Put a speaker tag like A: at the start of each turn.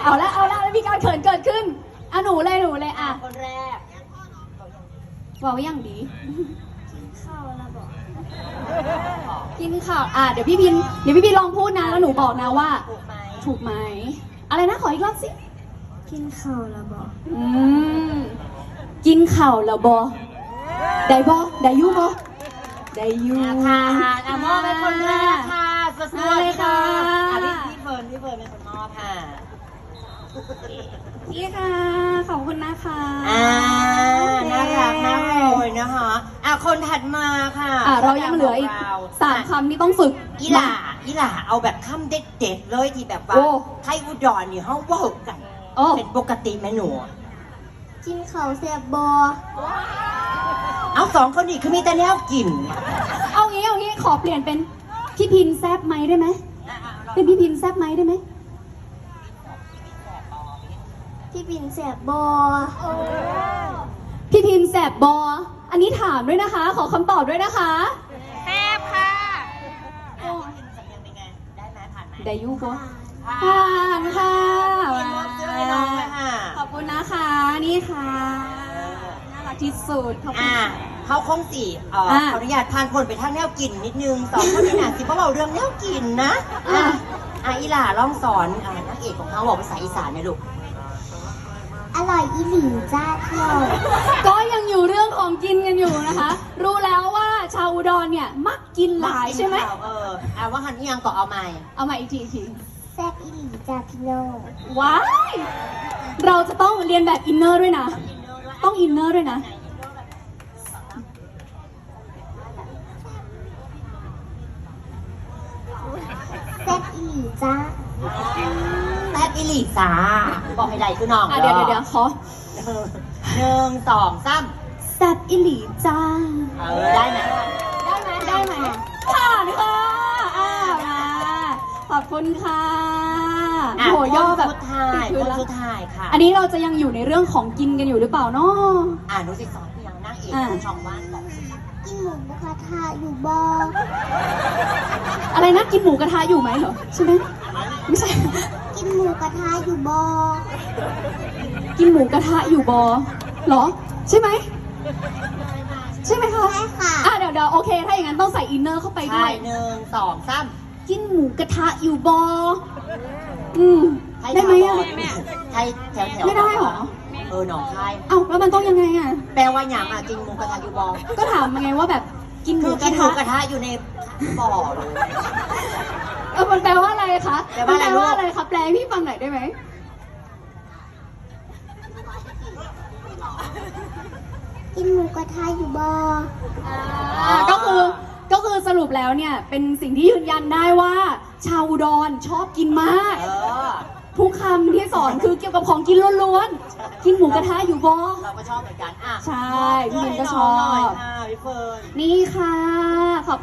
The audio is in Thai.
A: เอาละแล้วมีการเขินเกิดขึ้นอ่ะหนูเลยอ่ะ
B: คนแรก
A: บอกว่าอย่างดี
B: เข้าแล้วบอก
A: กินข่าวเดี๋ยวพี่พินลองพูดนะแล้วหนูบอกนะว่า
B: ถูกไหม
A: ถูกไหมอะไรนะขออีกรอบสิ
B: กินข้าวแล้วบอก
A: กินข่าวแล้วบอได้บอได้ยูบอได้ยู
B: ค่ะมอบเป็นคนแรกค่ะสวัสดีค่ะ พี่เฟิร์นเป็นคนมอบค่ะ
A: นี่ค่ะขอบคุณนะคะ
B: น่ารักมากเลยนะคะคนถัดมาค่ะ
A: เรายังเหลืออีก3 คำที่ต้องฝึก
B: อีหล่าเอาแบบคำเด็ดๆเลยที่แบบว่าไทยอุดรนี่เขาว่ากันเป็นปกติไหมหนูกินข้าวแซ่บบอเอา2 คนนี้คือมีแต่แนวกิน
A: เอางี้ขอเปลี่ยนเป็นพี่พินแซบไหมได้ไหมเป็นพี่พินแซบไหมได้ไหม
B: พี่พินแซ่บบอ
A: พี่พินแซบบออันนี้ถามด้วยนะคะ ขอคำตอบด้วยนะคะ
B: แซ่บค่ะได้ไหมผ่านไหม
A: ได้ยูบอผ่านค่ะขอบคุณนะคะนี่ค่ะน่ารักที่สุดขอบคุณ
B: เขาคงสิขออนุญาตผ่านคนไปทางแนวกินนิดนึง2 คนนี้นะสิเพราะเราเรื่องแนวกินนะอีหล่าลองสอนนักเอกของเขาบอกภาษาอีสานหน่อยลูกอร่อยอีหลีจ้าเที่ยว
A: ก็ยังอยู่เรื่องของกินกันอยู่นะคะรู้แล้วว่าชาวอุดรเนี่ยมักกินหลายใช่ไหม
B: ว่าหันยังก็เอาใหม่
A: อีกที
B: แซ่บอีหลีจ้าพี่โน่
A: ว้ายเราจะต้องเรียนแบบอินเนอร์ด้วยนะต้องอินเนอร์ด้วยนะ
B: แซ่บอีหลีจ้าแซ่บอีหลีจ้าบอกให้ได้คือน้อง
A: เดี๋ยวขอ
B: 1 2 3
A: แซ่บอีหลีจ้า
B: ได้ไหม
A: ผ่านค่ะมาขอบคุณค่ะโหย่อแบบ
B: คนสุดท้ายค่ะ
A: อันนี้เราจะยังอยู่ในเรื่องของกินกันอยู่หรือเปล่าเนาะ
B: หนูสิสอนพี่ยังนั่งเอกช่องว่างบอกกินหมูกระทะอยู่บ่
A: อะไรนะกินหมูกระทะอยู่ไหมเหรอใช่ไหมไม่ใช่
B: กินหมูกระทะอยู่บ่
A: กินหมูกระทะอยู่บ่เหรอใช่ไหมคะ
B: ใช่ค่ะ
A: เดี๋ยวโอเคถ้าอย่างนั้นต้องใส่อินเนอร์เข้าไปด้วย
B: 1 2 3
A: กินหมูกระทะอยู่บ่ได้ไหม
B: ไทยแถว
A: ไม่ได้หรอ
B: หนองคาย
A: แล้วมันต้องยังไง
B: แปลว่าอย่างกินหมูกระทะอยู่บ่
A: ก็ถามมาไงว่าแบบกินหมูก
B: ระทะอยู่ในบ่อเลย
A: มันแปลว่าอะไรคะมันแปลว่าอะไรคะแปลให้พี่ฟังหน่อยได้ไหม
B: กินหมูกระทะอยู่บ่
A: ก็คือสรุปแล้วเนี่ยเป็นสิ่งที่ยืนยันได้ว่าชาวอุดรชอบกินมากทุกคำที่สอนคือเกี่ยวกับของกินล้วนๆกินหมูกระทะอยู่บ่
B: เราก็ชอบเหมือนกัน
A: ใช่พี่มินก็ชอบ
B: พี่เฟิร์น
A: นี่ค่ะขอบ